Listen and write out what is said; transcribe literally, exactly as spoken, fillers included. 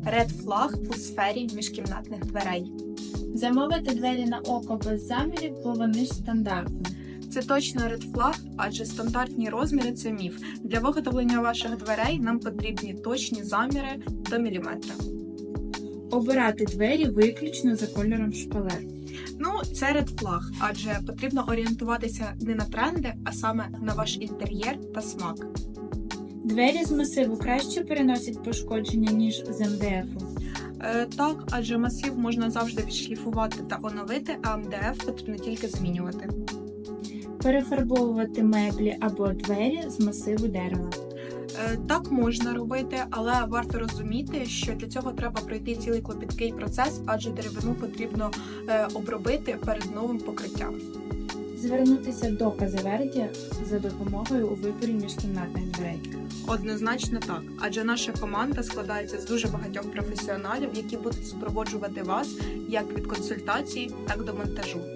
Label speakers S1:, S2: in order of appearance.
S1: Ред флаг у сфері міжкімнатних дверей.
S2: Замовити двері на око без замірів, бо вони ж стандартні.
S1: Це точно ред флаг, адже стандартні розміри – це міф. Для виготовлення ваших дверей нам потрібні точні заміри до міліметра.
S2: Обирати двері виключно за кольором шпалер.
S1: Ну, це ред флаг, адже потрібно орієнтуватися не на тренди, а саме на ваш інтер'єр та смак.
S2: Двері з масиву краще переносять пошкодження, ніж з ем де ефу.
S1: Е, так, адже масив можна завжди відшліфувати та оновити, а ем де еф потрібно тільки змінювати.
S2: Перефарбовувати меблі або двері з масиву дерева.
S1: Е, так можна робити, але варто розуміти, що для цього треба пройти цілий клопіткий процес, адже деревину потрібно е, обробити перед новим покриттям.
S2: Звернутися до Казаверді за допомогою у виборі міжкімнатних дверей.
S1: Однозначно так, адже наша команда складається з дуже багатьох професіоналів, які будуть супроводжувати вас як від консультації, так до монтажу.